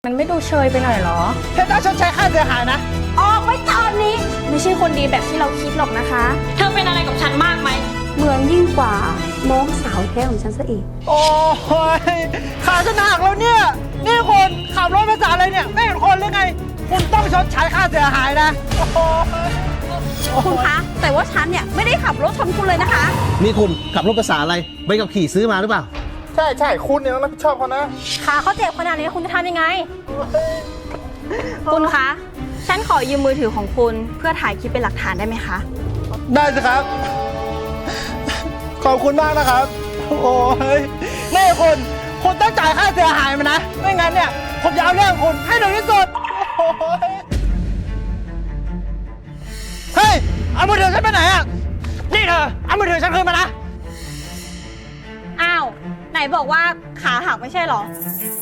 มันไม่ดูเชยไปหน่อยเหรอเธอต้องชดใช้ค่าเสียหายนะออกไปตอนนี้ไม่ใช่คนดีแบบที่เราคิดหรอกนะคะเธอเป็นอะไรกับฉันมากไหมเหมือนยิ่งกว่าน้องสาวแท้ของฉันซะอีกโอ้ยขาฉันหักแล้วเนี่ยนี่คนขับรถภาษาอะไรเนี่ยไม่เห็นคนหรือไงคุณต้องชดใช้ค่าเสียหายนะคุณคะแต่ว่าฉันเนี่ยไม่ได้ขับรถชนคุณเลยนะคะนี่คุณขับรถภาษาอะไรใบขับขี่ซื้อมาหรือเปล่าใช่คุณเนี่ยต้องรับผิดชอบเขานะขาเขาเจ็บขนาดนี้คุณจะทำยังไงคุณคะฉันขอยืมมือถือของคุณเพื่อถ่ายคลิปเป็นหลักฐานได้ไหมคะได้สิครับขอบคุณมากนะครับโอ้ยนี่คุณต้องจ่ายค่าเสียหายมันนะไม่งั้นเนี่ยผมจะเอาเรื่องคุณให้ถึงที่สุดเฮ้ยเอามือถือฉันไปไหนอ่ะนี่เธอเอามือถือฉันคืนมานะอ้าวไหนบอกว่าขาหักไม่ใช่หรอ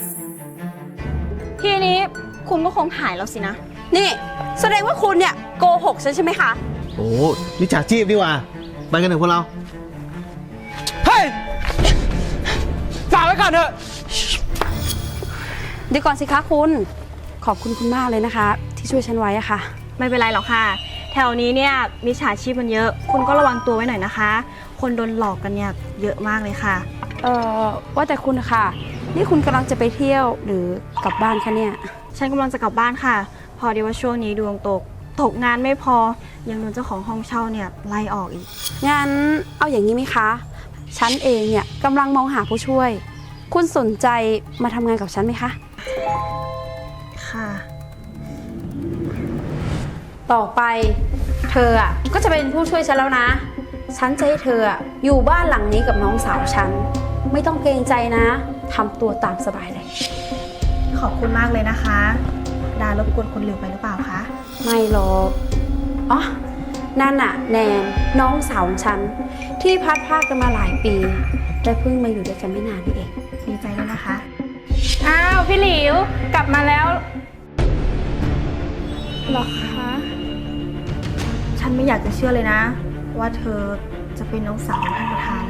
ทีนี้คุณก็คงหายแล้วสินะนี่แสดงว่าคุณเนี่ยโกหกฉันใช่ไหมคะโอ้มิจฉาชีพดีว่าไปกันเถอะพวกเราเฮ้ยฝากไว้ก่อนเถอะเดี๋ยวก่อนสิคะคุณขอบคุณมากเลยนะคะที่ช่วยฉันไว้อะค่ะไม่เป็นไรหรอกค่ะแถวนี้เนี่ยมิจฉาชีพมันเยอะคุณก็ระวังตัวไว้หน่อยนะคะคนโดนหลอกกันเนี่ยเยอะมากเลยค่ะว่าแต่คุณค่ะนี่คุณกำลังจะไปเที่ยวหรือกลับบ้านคะเนี่ยฉันกำลังจะกลับบ้านค่ะพอดีว่าช่วงนี้ดวงตกงานไม่พอยังโดนเจ้าของห้องเช่าเนี่ยไล่ออกอีกงั้นเอาอย่างนี้ไหมคะฉันเองเนี่ยกำลังมองหาผู้ช่วยคุณสนใจมาทำงานกับฉันไหมคะค่ะต่อไปเธออ่ะก็จะเป็นผู้ช่วยฉันแล้วนะฉันจะให้เธออยู่บ้านหลังนี้กับน้องสาวฉันไม่ต้องเกรงใจนะทำตัวตามสบายเลยขอบคุณมากเลยนะคะดารบกวนคนหลิวไปหรือเปล่าคะไม่หรอกอ๋อนั่นน่ะแนนน้องสาวของฉันที่พัดพรากกันมาหลายปีแต่เพิ่งมาอยู่ด้วยกันไม่นานนี่เองดีใจด้วยนะคะอ้าวพี่หลิวกลับมาแล้วหรอคะฉันไม่อยากจะเชื่อเลยนะว่าเธอจะเป็นน้องสาวของท่านประธาน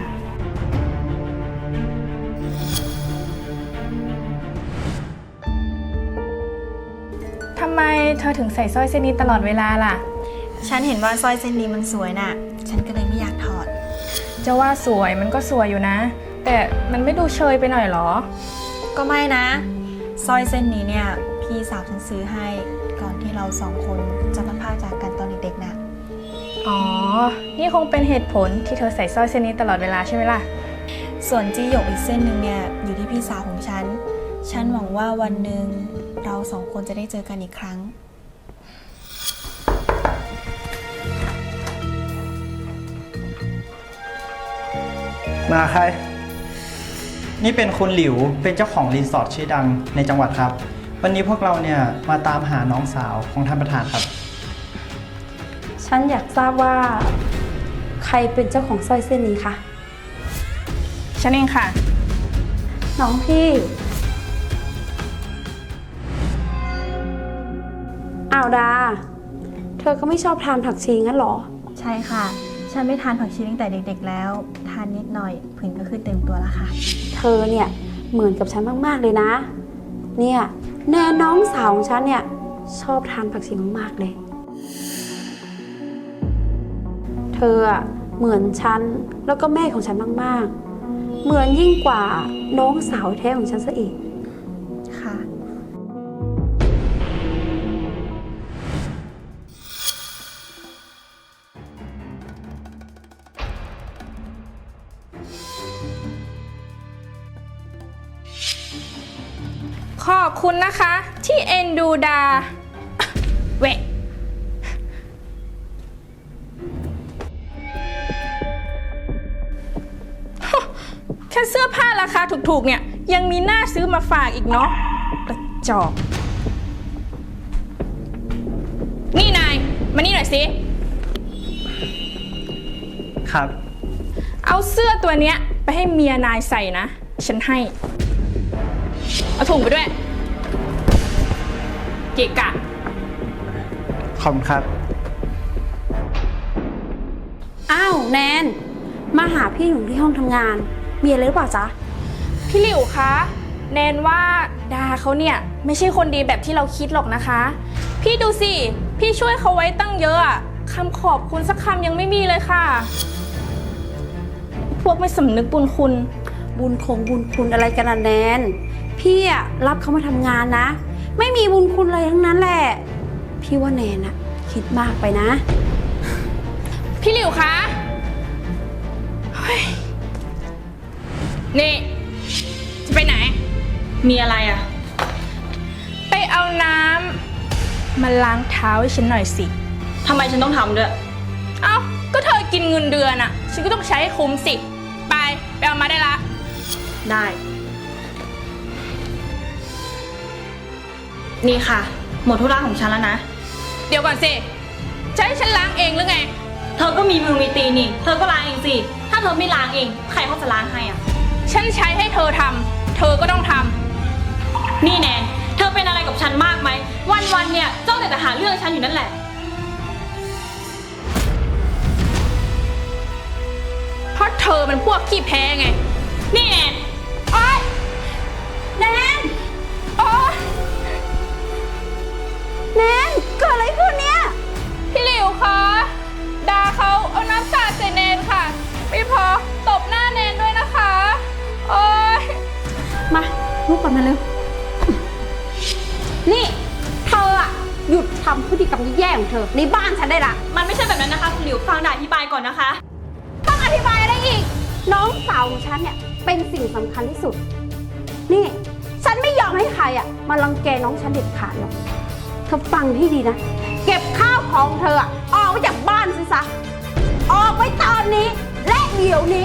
ทำไมเธอถึงใส่สร้อยเส้นนี้ตลอดเวลาล่ะฉันเห็นว่าสร้อยเส้นนี้มันสวยน่ะฉันก็เลยไม่อยากถอดจะว่าสวยมันก็สวยอยู่นะแต่มันไม่ดูเชยไปหน่อยหรอก็ไม่นะสร้อยเส้นนี้เนี่ยพี่สาวฉันซื้อให้ก่อนที่เราสองคนจะพัดพรากจากกันตอนเด็กๆน่ะอ๋อนี่คงเป็นเหตุผลที่เธอใส่สร้อยเส้นนี้ตลอดเวลาใช่ไหมล่ะส่วนจี้หยกอีกเส้นหนึ่งเนี่ยอยู่ที่พี่สาวของฉันหวังว่าวันหนึ่งเราสองคนจะได้เจอกันอีกครั้งมาใครนี่เป็นคุณหลิวเป็นเจ้าของรีสอร์ทชื่อดังในจังหวัดครับวันนี้พวกเราเนี่ยมาตามหาน้องสาวของท่านประธานครับฉันอยากทราบว่าใครเป็นเจ้าของสร้อยเส้นนี้คะฉันเองค่ะน้องพี่อ้าวดาเธอก็ไม่ชอบทานผักชีงั้นหรอใช่ค่ะฉันไม่ทานผักชีตั้งแต่เด็กๆแล้วทานนิดหน่อยผื่นก็คือเต็มตัวแล้วค่ะเธอเนี่ยเหมือนกับฉันมากๆเลยนะเนี่ยแน่น้องสาวของฉันเนี่ยชอบทานผักชีมากๆเลยเธอเหมือนฉันแล้วก็แม่ของฉันมากๆเหมือนยิ่งกว่าน้องสาวแท้ของฉันซะอีกค่ะขอบคุณนะคะที่เอ็นดูดาเวะแค่เสื้อผ้าราคาถูกๆเนี่ยยังมีหน้าซื้อมาฝากอีกเนาะกระจอกนี่นายมานี่หน่อยสิครับเอาเสื้อตัวเนี้ยไปให้เมียนายใส่นะฉันให้เอาถุงไปด้วยเกะกะขอบคุณครับอ้าวแนนมาหาพี่อยู่ที่ห้องทำงานมีอะไรหรือเปล่าจ๊ะพี่หลิวคะแนนว่าดาเขาเนี่ยไม่ใช่คนดีแบบที่เราคิดหรอกนะคะ พี่ดูสิ พี่ช่วยเขาไว้ตั้งเยอะอะคำขอบคุณสักคำยังไม่มีเลยค่ะ พวกไม่สำนึกบุญคุณบุญคุณอะไรกันล่ะแนนพี่อะรับเขามาทำงานนะ ไม่มีบุญคุณอะไรทั้งนั้นแหละ พี่ว่าแนนอะคิดมากไปนะพี่หลิวคะเฮ้ยนี่ จะไปไหนมีอะไรอ่ะไปเอาน้ำมาล้างเท้าให้ฉันหน่อยสิทำไมฉันต้องทำด้วยเอ้า ก็เธอกินเงินเดือนอะฉันก็ต้องใช้ให้คุ้มสิ ไปเอามาได้ละได้ นี่ค่ะ หมดธุระของฉันแล้วนะเดี๋ยวก่อนสิ จะให้ฉันล้างเองหรือไงเธอก็มีมือมีตีนนี่ เธอก็ล้างเองสิ ถ้าเธอไม่ล้างเอง ใครเขาจะล้างให้อ่ะฉันใช้ให้เธอทำ เธอก็ต้องทำนี่แนน เธอเป็นอะไรกับฉันมากไหม วันๆเนี่ยจ้องแต่หาเรื่องฉันอยู่นั่นแหละเพราะเธอเป็นพวกขี้แพ้ไงนี่แนนโอ๊ยแนนโอ๊ยแนนเกิดอะไรขึ้นเนี่ยพี่หลิวคะดาเขาเอาน้ำสาดใส่เนนค่ะ ไม่พอตบหน้าเนนด้วยนะคะ โอ๊ยมาลุกก่อนมาเร็ว นี่เธออะหยุดทำพฤติกรรมแย่ๆของเธอในบ้านฉันได้ละมันไม่ใช่แบบนั้นนะคะคุณหลิว ฟังด่าอธิบายก่อนนะคะต้องอธิบายอะไรอีก น้องสาวของฉันเนี่ยเป็นสิ่งสำคัญที่สุด นี่ ฉันไม่ยอมให้ใครอ่ะมารังแกน้องฉันเด็ดขาดหรอกเธอฟังให้ดีนะ เก็บข้าวของเธออะออกไปจากบ้านซิซะ ออกไปตอนนี้และเดี๋ยวนี้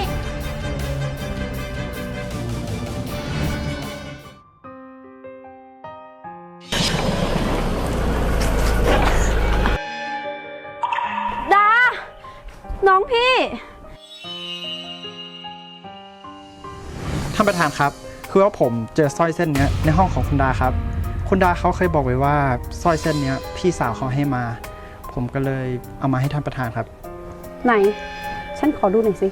ดา น้องพี่ท่านประธานครับ คือว่าผมเจอสร้อยเส้นเนี้ยในห้องของคุณดาครับ คุณดาเขาเคยบอกไว้ว่าสร้อยเส้นเนี้ยพี่สาวเขาให้มา ผมก็เลยเอามาให้ท่านประธานครับไหน ฉันขอดูหน่อยสิ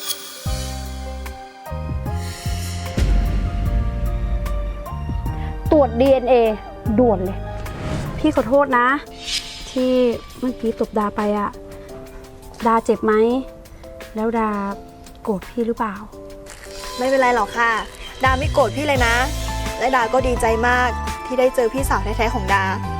ตรวจ DNA ด่วนเลย พี่ขอโทษนะ ที่เมื่อกี้ตบดาไปอะดาเจ็บไหม แล้วดาโกรธพี่หรือเปล่าไม่เป็นไรหรอกค่ะ ดาไม่โกรธพี่เลยนะ และดาก็ดีใจมากที่ได้เจอพี่สาวแท้ๆของดา